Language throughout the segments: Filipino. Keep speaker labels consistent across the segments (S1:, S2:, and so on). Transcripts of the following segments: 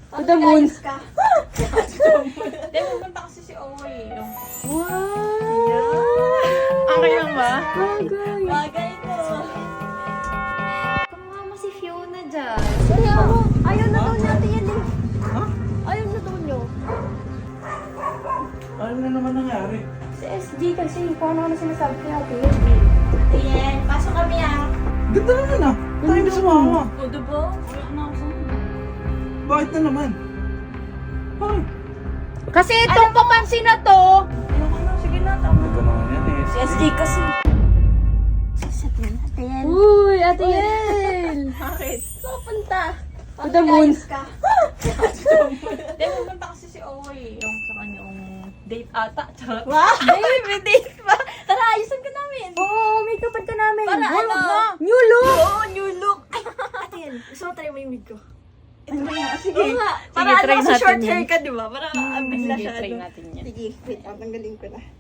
S1: To the moon.
S2: Ayos ka.
S3: Hindi, pupunta kasi si Owe.
S1: Wow!
S3: Okay lang ba?
S1: Bagay.
S2: Bagay ko.
S4: Kamukha mo si Fiona dyan.
S1: Kaya ako.
S2: Ayaw na daw natin yan eh.
S5: Ha?
S2: Ayaw na daw nyo.
S5: Ano na naman nangyari?
S1: Si SG kasi, kung ano sinasabi kay ate.
S2: Ayan, pasok kami ah.
S5: Ganda naman ah. Tayo na sumama.
S3: O, diba? Wala na ako sa
S5: Bakit na naman? Bakit?
S1: Kasi itong papansin na to.
S3: Ayoko na, sige na, tama.
S5: Ano ba naman yan eh?
S2: Si SG kasi. Sasabihin natin.
S1: Uy, ate Yel.
S3: Bakit?
S2: Saan punta?
S1: To the moon.
S2: Ayos ka.
S3: Hindi, pupunta kasi si Owe. Yung sa kanyang date ata. Charot.
S2: Wow! May date pa. Tara, ayusan ka namin.
S1: Oo, make upan ka namin.
S2: Para
S1: Uy,
S2: ano?
S1: wag na. New look.
S2: Oo, new look. Ate yan, gusto mo try mo yung wig ko? Ito nga, sige. Oo nga. Para
S3: Sige, try
S2: ano kasi
S3: natin
S2: short
S3: yan.
S2: hair ka, di ba? Para bigla
S3: Sige,
S2: siya.
S3: try
S2: ano.
S3: natin yan.
S2: Sige, wait, tanggalin ko na.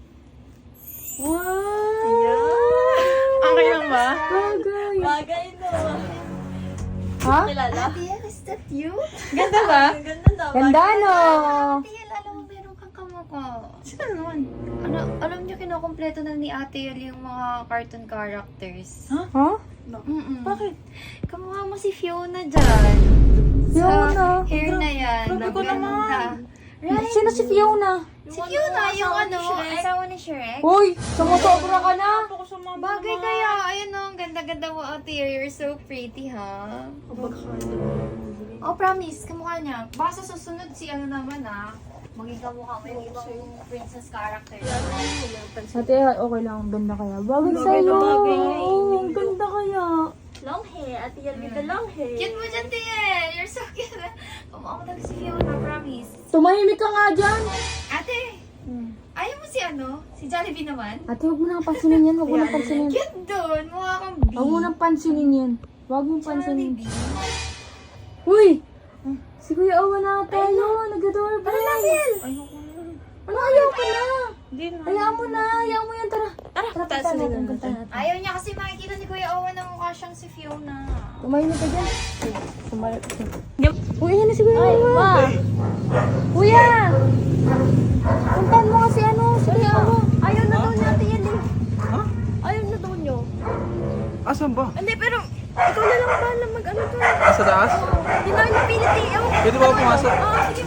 S1: Wow!
S2: Ayan.
S3: Okay lang ba?
S1: Bagay.
S2: Bagay no.
S1: Ha?
S2: Kilala? Ate yan, is that you?
S3: Ganda ba?
S2: Ang ganda na.
S1: Ganda, no?
S4: Ate Yel, alam mo, meron kang kamukha.
S2: Sino naman?
S4: Alam niyo, kinukompleto na ni Ate Yel yung mga cartoon characters.
S1: Ha?
S4: Mm-mm.
S1: Bakit?
S4: Kamukha mo si Fiona dyan.
S1: Fiona?
S4: Sa hair na yan.
S3: Grabe ko naman.
S4: Right?
S1: Sino si Fiona?
S4: Si Fiona, yung
S2: asawa ni
S4: ano,
S2: Shrek.
S4: asawa ni Shrek.
S1: Uy, sumusobra ka na.
S3: Ako sa mga
S4: Bagay kaya, ayun o, ang ganda-ganda mo, Ate Yel. You're so pretty, ha? Oh, promise, kamukha niya. Baka sa susunod si ano naman, ha? Maging kamukha mo yung ibang princess character.
S1: Ate, okay lang. Ang ganda kaya. Bagay sa'yo.
S2: bagay.
S1: Oo, ang ganda kaya.
S2: Long hair. Ate yan with the long hair.
S4: Cute mo dyan, Tiel! You're so cute! Kamukha mo talaga si Fiona, promise.
S1: Tumahimik ka nga dyan.
S4: Ate! Ayaw mo si ano? Si Jollibee naman?
S1: Ate, huwag mo nang pansinin yan. Huwag mo nang pansinin.
S4: Cute doon! Mukha kang bee.
S1: Huwag mo nang pansinin yan. Huwag mo pansinin.
S4: Jollibee.
S1: Uy! Si Kuya Owa na tayo. Nag-doorbell.
S3: Ayoko na.
S1: Ano, ayaw ko na.
S3: Hindi na.
S1: Hayaan mo na. Hayaan mo yan. Tara.
S2: Tara,
S1: Tara,
S2: taas
S1: punta
S2: na
S1: natin.
S2: natin.
S1: Punta natin.
S4: Ayaw niya kasi makikita ni Kuya Owen na mukha siyang si Fiona.
S1: Tumahimik ka dyan. Sumalit.
S3: Yep.
S1: Uy, yan na si Kuya Owa. Kuya! Puntahan mo kasi ano. Si Kuya Owa.
S2: Ayaw na daw natin yan eh.
S5: Ha?
S2: Ayaw na daw nyo.
S5: Asan ba?
S2: Hindi, pero ikaw na lang ba na mag-ano to?
S5: Sa taas?
S2: Hindi na napilit eh. Ewan ko.
S5: Pwede ba ako pumasok?
S2: Oo, sige.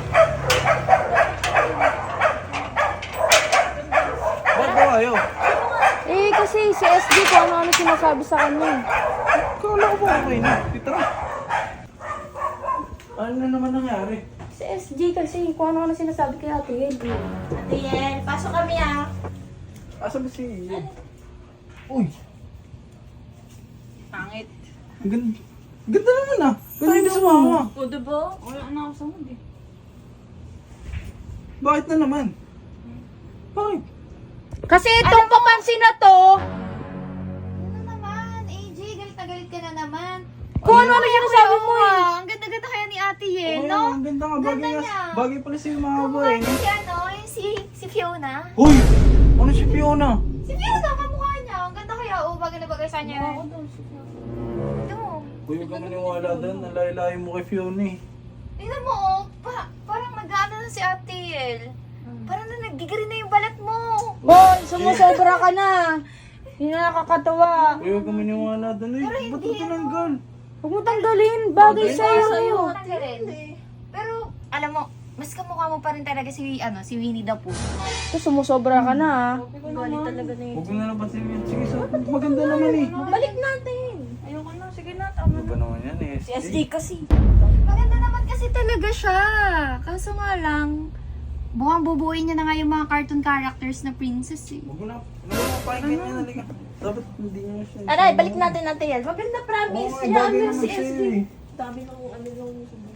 S5: Bakit ba ayaw?
S1: Eh, kasi si SG ko ano-ano sinasabi sa kanya.
S5: Kala ko ba okay na? Dito na. Ano na naman nangyari?
S1: Si SG kasi kung ano-ano sinasabi kay ate Yel.
S2: Ate yan, pasok kami ah.
S5: Asan ba si Ian? Uy!
S3: Pangit.
S5: Ang ganda. Ganda naman ah. Tayo na sumama.
S3: O, diba? Wala na ako sa mood eh.
S5: Bakit na naman? Bakit?
S1: Kasi itong papansin na to,
S4: Ano naman? AJ, galit na galit ka na naman.
S1: kung ano-ano sinasabi mo eh.
S4: Ang ganda-ganda kaya ni Ate Yel,
S5: Okay,
S4: no?
S5: ang ganda nga. Bagay,
S4: Ganda
S5: nga-
S4: niya.
S5: bagay pala sa'yo mga
S4: Kamukha
S5: boy.
S4: niya si ano, yung si Fiona.
S5: Uy! Ano si Fiona?
S4: Si Fiona, kamukha niya. Ang ganda kaya, oh, bagay na bagay sa kanya. Ito mo.
S5: Uy, huwag ka maniwala doon. Nalayo-layo mo kay Fiona eh.
S4: Tingnan mo, oh, parang nag-ano na si Ate Yel. Parang na nagigiri na yung balat mo.
S1: Boy, sumusobra ka na. Hindi na nakakatawa.
S5: Uy, huwag ka maniwala doon. Uy,
S4: Pero
S5: ba't
S4: hindi,
S5: ito tinanggal?
S1: Huwag mo tanggalin. Bagay sa'yo.
S4: Tanggalin. Pero, alam mo, mas kamukha mo pa rin talaga si Winnie the Pooh.
S1: Ito, sumusobra ka na ah.
S2: Galit talaga na yun.
S5: Huwag mo na lang pansin yun. Sige, so, maganda naman eh.
S2: Balik natin.
S3: Ayoko na, sige na, tama
S5: Ano ba naman yan eh?
S2: Si SG kasi.
S4: Maganda naman kasi talaga siya. Kaso nga lang, buwang bubuuin niya na nga yung mga cartoon characters na princess eh.
S5: Huwag mo na pakinggan niya. Halika. Dapat hindi niya siya.
S2: Aray, balik natin natin yan. Maganda promise.
S5: Oo,
S2: Yan,
S5: bagay
S2: si
S5: naman siya
S2: SG.
S5: eh.
S2: Dami ng ano yung